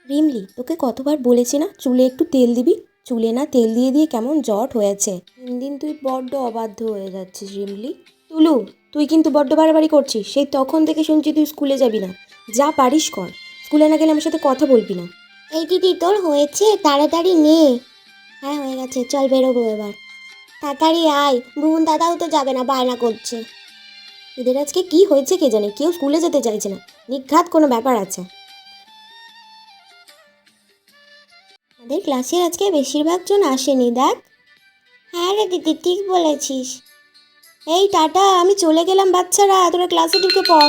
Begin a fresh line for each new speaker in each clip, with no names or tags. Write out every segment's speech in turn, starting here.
রিমলি, তোকে কতবার বলেছি না চুলে একটু তেল দিবি? চুলে না তেল দিয়ে দিয়ে কেমন জট হয়েছে। দিন দিন তুই বড্ড অবাধ্য হয়ে যাচ্ছিস রিমলি। তুলু, তুই কিন্তু বড্ড বাড়াবাড়ি করছিস। সেই তখন থেকে শুনছি তুই স্কুলে যাবি না। যা পারিস কর, স্কুলে না গেলে আমার সাথে কথা বলবি না।
এই দিদি, তোর হয়েছে? তাড়াতাড়ি নে। হ্যাঁ, হয়ে গেছে, চল বেরোবো এবার। তাড়াতাড়ি আয়, ভুবন দাদাও তো যাবে না, বায়না করছে।
এদের আজকে কি হয়েছে কে জানে, কেউ স্কুলে যেতে চাইছে না। নিঘাত কোনো ব্যাপার আছে।
আমাদের ক্লাসের আজকে বেশিরভাগ জন আসেনি, দেখ। হ্যাঁ রে দিদি, ঠিক বলেছিস।
এই টাটা, আমি চলে গেলাম বাচ্চারা, তোরা ক্লাসে ঢুকে পড়।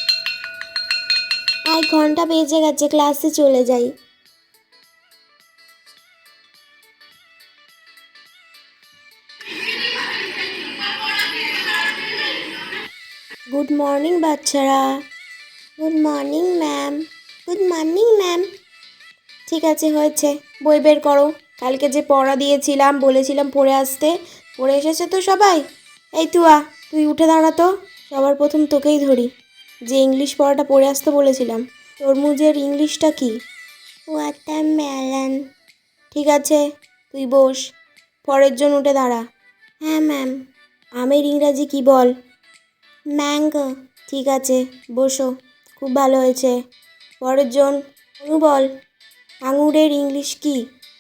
আয়, ঘন্টা বেজে গেছে, ক্লাসে চলে যাই।
গুড মর্নিং বাচ্চারা।
Good morning ma'am. Good morning ma'am.
ঠিক আছে, হয়েছে, বই বের করো। কালকে যে পড়া দিয়েছিলাম, বলেছিলাম পড়ে আসতে, পড়ে এসেছে তো সবাই? এই তুয়া, তুই উঠে দাঁড়া তো। সবার প্রথম তোকেই ধরি। যে ইংলিশ পড়াটা পড়ে আসতে বলেছিলাম, তরমুজের ইংলিশটা কি?
ওয়াটারমেলন।
ঠিক আছে, তুই বস। পরের জন উঠে দাঁড়া।
হ্যাঁ ম্যাম।
আমের ইংরাজি কি বল?
ম্যাঙ্গো।
ঠিক আছে, বসো। খুব ভালো হয়েছে। পরের জন অনু বল, আঙুরের ইংলিশ কি?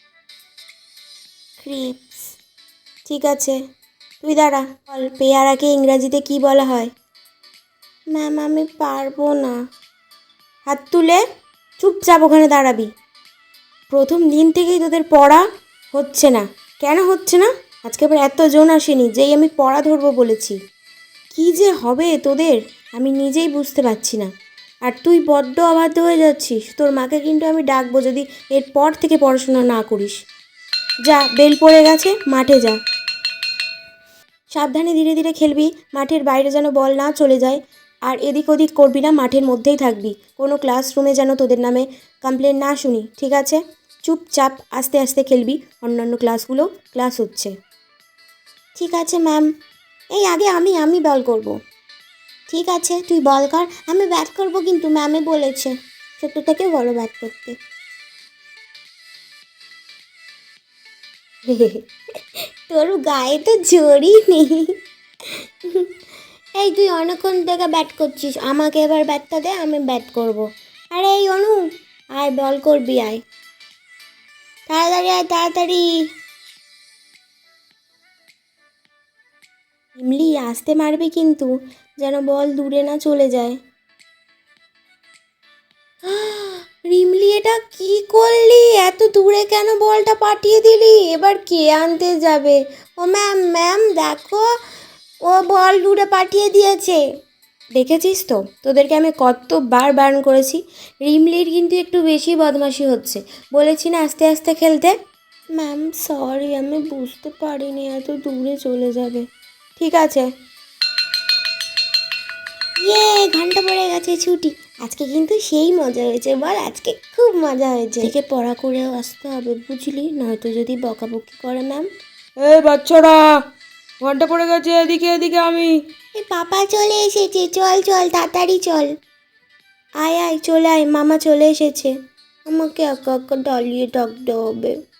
ক্রিপস।
ঠিক আছে, তুই দাঁড়া। বল, পেয়ারাকে ইংরাজিতে কি বলা হয়?
ম্যাম, আমি পারবো না।
হাত তুলে চুপচাপ ওখানে দাঁড়াবি। প্রথম দিন থেকেই তোদের পড়া হচ্ছে না। কেন হচ্ছে না? আজকে আবার এতজন আসেনি, যেই আমি পড়া ধরবো বলেছি। কি যে হবে তোদের আমি নিজেই বুঝতে পারছি না। আর তুই বড্ড অবাধ্য হয়ে যাচ্ছিস। তোর মাকে কিন্তু আমি ডাকবো যদি এরপর থেকে পড়াশোনা না করিস। যা, বেল পড়ে গেছে, মাঠে যা। সাবধানে ধীরে ধীরে খেলবি, মাঠের বাইরে যেন বল না চলে যায়। আর এদিক ওদিক করবি না, মাঠের মধ্যেই থাকবি। কোনো ক্লাসরুমে যেন তোদের নামে কমপ্লেন না শুনি, ঠিক আছে? চুপচাপ আস্তে আস্তে খেলবি, অন্যান্য ক্লাসগুলো ক্লাস হচ্ছে।
ঠিক আছে ম্যাম। এই আগে আমি বল করব। ঠিক আছে, তুই বল কর, আমি ব্যাট করব, কিন্তু ম্যামে বলেছে ছোট থেকে বড় ব্যাট করতে। তোর গায়ে তো জোরই নেই। এই তুই অনেকক্ষণ থেকে ব্যাট করছিস, আমাকে এবার ব্যাটটা দে, আমি ব্যাট করব। আরে এই অনু, আয় বল করবি, আয় তাড়াতাড়ি, আয় তাড়াতাড়ি।
ইমলি, আসতে মারবি কিন্তু, যেন বল দূরে না চলে যায়। রিমলি, এটা কি করলি? এত দূরে কেন বলটা পাঠিয়ে দিলি? এবার কে আনতে যাবে?
ও ম্যাম, ম্যাম দেখো, ও বল দূরে পাঠিয়ে দিয়েছে।
দেখেছিস তো, তোদেরকে আমি কতবার বারণ করেছি। রিমলির কিন্তু একটু বেশি বদমাশি হচ্ছে। বলেছি না আস্তে আস্তে খেলতে।
ম্যাম সরি, আমি বুঝতে পারিনি এত দূরে চলে যাবে।
ঠিক আছে।
ইয়ে, ঘন্টা পড়ে গেছে, ছুটি। আজকে কিন্তু সেই মজা হয়েছে, বল আজকে খুব মজা হয়েছে।
থেকে পড়া করেও আসতে হবে, বুঝলি? নয়তো যদি বকাবকি করে ম্যাম।
এই বাচ্চারা, ঘন্টা পড়ে গেছে, এদিকে এদিকে আমি।
এই পাপা চলে এসেছে, চল চল তাড়াতাড়ি চল।
আয় আয়, চলে আয়, মামা চলে এসেছে।
আমাকে একা একা দাঁড়িয়ে থাকতে হবে।